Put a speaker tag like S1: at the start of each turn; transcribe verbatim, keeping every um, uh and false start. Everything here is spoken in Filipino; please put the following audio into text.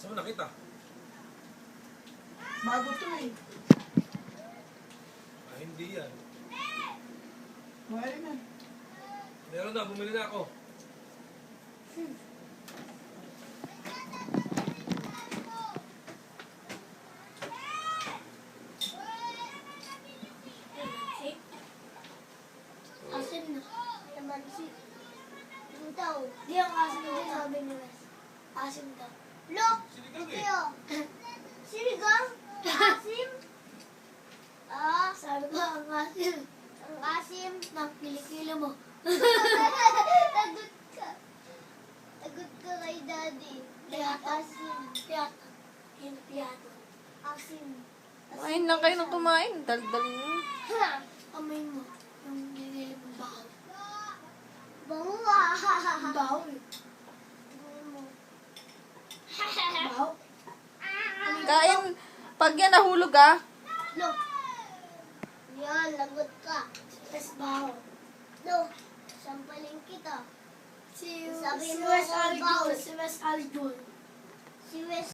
S1: Saan mo nakita?
S2: Bago to eh.
S1: Ah, hindi yan.
S2: Mahal na.
S1: Meron na, bumili na ako.
S2: Hmm.
S3: Asim na. Naman si... Yung tao. Di ang asim din sabi ni Wes. Asim daw. Look!
S1: Sinigang eh.
S3: Tiyo! Sinigang? Asim? Ah, sabi ko ang asim. Ang asim? Nang kilikilo mo. Tagot ka. Tagot ka kay daddy. Piyato. Asim. Piyato. Yung piyato. Asim.
S4: Kumain lang kayo ng kumain. Daldal nyo.
S3: Ha! Amoy mo. Yung nililip mo bahaw. Bango ah! Bahaw eh. Tingnan mo. Bahaw?
S4: Kain. Pag yan nahulog ah.
S3: Look. Yan, lagot ka. Tapos bahaw. Look. Sampaling kita. Si,
S2: Sabi
S3: si
S2: mo,
S3: Wes
S2: bahaw.
S3: Alijun. Si Wes Alijun. Si Wes